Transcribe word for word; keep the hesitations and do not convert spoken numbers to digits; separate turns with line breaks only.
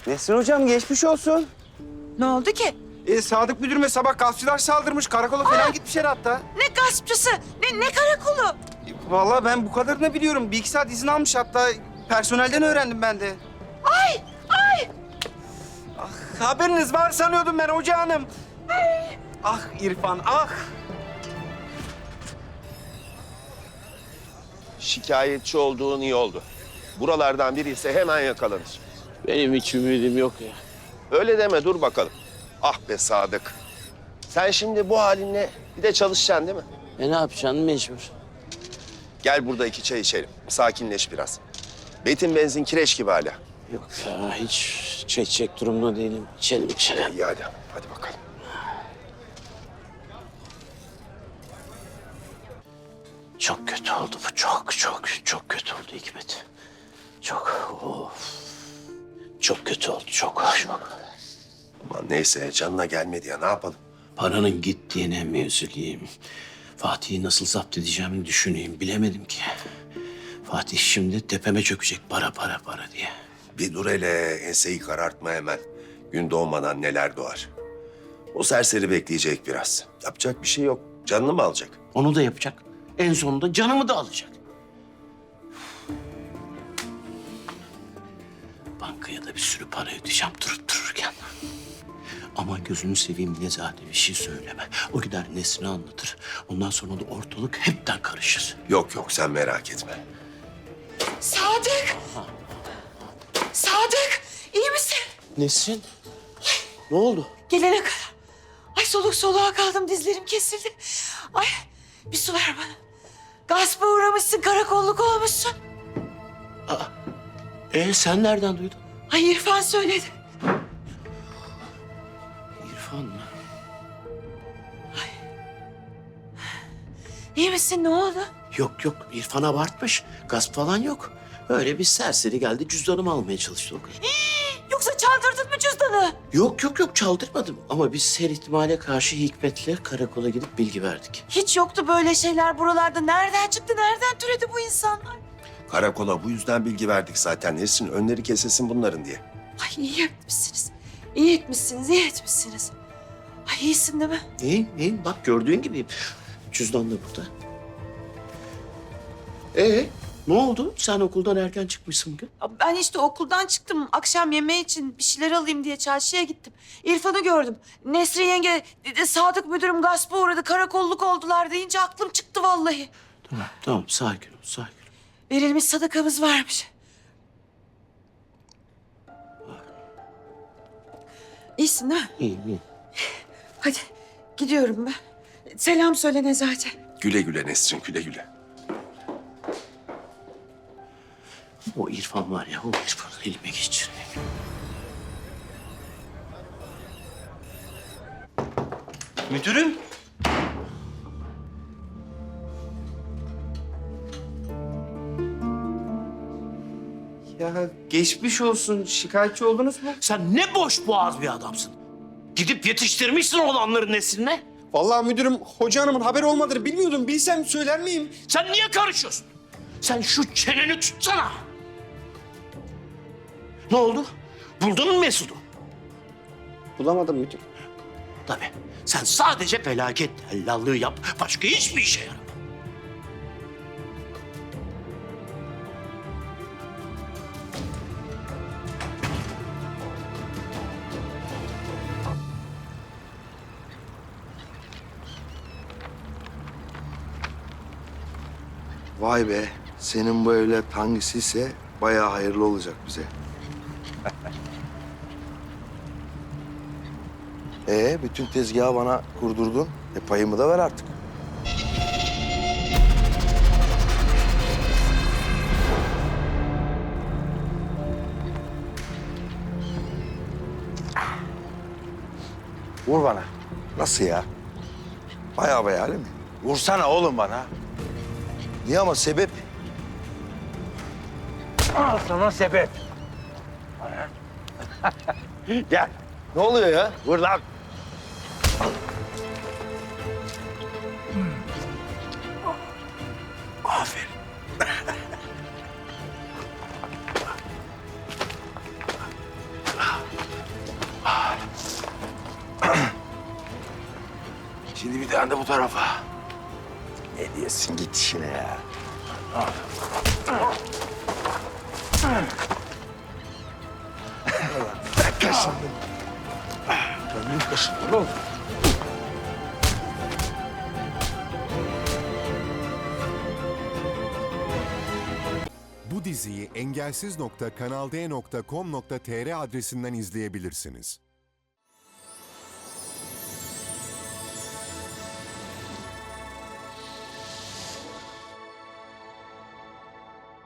Nesrin hocam geçmiş olsun.
Ne oldu ki?
Ee, Sadık müdürüme sabah gaspçılar saldırmış. Karakola falan gitmişler hatta.
Ne gaspçısı? Ne, ne karakolu?
E, Vallahi ben bu kadarını biliyorum. Bir iki saat izin almış hatta. Personelden öğrendim ben de.
Ay! Ay!
Ah, haberiniz var sanıyordum ben hoca hanım. Ah İrfan, ah.
Şikayetçi olduğun iyi oldu. Buralardan biri ise hemen yakalanır.
Benim hiç ümidim yok ya.
Öyle deme, dur bakalım. Ah be Sadık. Sen şimdi bu halinle bir de çalışacaksın değil mi?
E ne yapacaksın mecbur.
Gel burada iki çay içelim. Sakinleş biraz. Betin benzin kireç gibi hala.
Yok ya hiç çekecek durumda değilim. İçelim içelim.
İyi hadi. Hadi bakalım.
Çok kötü oldu bu. Çok çok çok kötü oldu Hikmet. Çok of. Çok kötü oldu. Çok çok.
Aman neyse canına gelmedi ya, ne yapalım?
Paranın gittiğine mi üzüleyim? Fatih'i nasıl zapt edeceğimi düşüneyim. Bilemedim ki. Fatih şimdi tepeme çökecek para para para diye.
Bir dur hele, enseyi karartma hemen. Gün doğmadan neler doğar. O serseri bekleyecek biraz. Yapacak bir şey yok. Canını mı alacak?
Onu da yapacak. En sonunda canımı da alacak. Bankaya da bir sürü para ödeyeceğim durup dururken. Ama gözünü seveyim Nezahat'e bir şey söyleme. O gider Nesrin'e anlatır. Ondan sonra da ortalık hepten karışır.
Yok yok, sen merak etme.
Sadık! Sadık! İyi misin?
Nesrin? Ne oldu?
Gelene kadar. Ay soluk soluğa kaldım. Dizlerim kesildi. Ay bir su ver bana. Gaspa uğramışsın. Karakolluk olmuşsun.
Ee sen nereden duydun?
Ay İrfan söyledi.
İrfan mı?
İyi misin? Ne oldu?
Yok yok İrfan abartmış. Gasp falan yok. Öyle bir serseri geldi cüzdanımı almaya çalıştı o kadar.
Yoksa çaldırdın mı cüzdanı?
Yok yok yok çaldırmadım. Ama biz her ihtimale karşı Hikmet'le karakola gidip bilgi verdik.
Hiç yoktu böyle şeyler buralarda. Nereden çıktı? Nereden türedi bu insanlar?
Karakola bu yüzden bilgi verdik zaten. Nesrin önleri kesilsin bunların diye.
Ay iyi etmişsiniz. İyi etmişsiniz, iyi etmişsiniz. Ay iyisin değil mi?
İyiyim iyiyim bak gördüğün gibiyim. Cüzdan da burada. Ee ne oldu? Sen okuldan erken çıkmışsın bugün.
Ben işte okuldan çıktım. Akşam yemeği için bir şeyler alayım diye çarşıya gittim. İrfan'ı gördüm. Nesrin yenge, dedi, Sadık müdürüm gaspa uğradı, karakolluk oldular deyince aklım çıktı vallahi.
Tamam tamam sakin ol sakin ol.
Verilmiş sadakamız varmış. İyisin değil mi?
İyiyim iyiyim.
Hadi gidiyorum ben. Selam söyle Nezahat'e.
Güle güle Nesrin, güle güle.
O İrfan var ya o İrfan'ı elime geçireyim.
Müdürüm. Ya geçmiş olsun. Şikayetçi oldunuz mu?
Sen ne boş boğaz bir adamsın. Gidip yetiştirmişsin olanların nesline.
Vallahi müdürüm hoca hanımın haberi olmadığını bilmiyordum. Bilsem söyler miyim?
Sen niye karışıyorsun? Sen şu çeneni tutsana. Ne oldu? Buldun mu Mesut'u?
Bulamadım müdür.
Tabii. Sen sadece felaket tellallığı yap. Başka hiçbir işe yaramaz.
Vay be, senin bu evlat hangisiyse bayağı hayırlı olacak bize. Ee, bütün tezgahı bana kurdurdun. E payımı da ver artık. Vur bana. Nasıl ya? Bayağı bayağı öyle mi?
Vursana oğlum bana.
Niye ama sebep?
Al sana sebep. Gel.
Ne oluyor ya?
Vur lan.
Aferin.
Şimdi bir tane de bu tarafa.
Ne diyorsun git işine ya. Ben kaşındım. Ben kaşındım oğlum.
Bu diziyi engelsiz nokta kanal d nokta com nokta tr adresinden izleyebilirsiniz.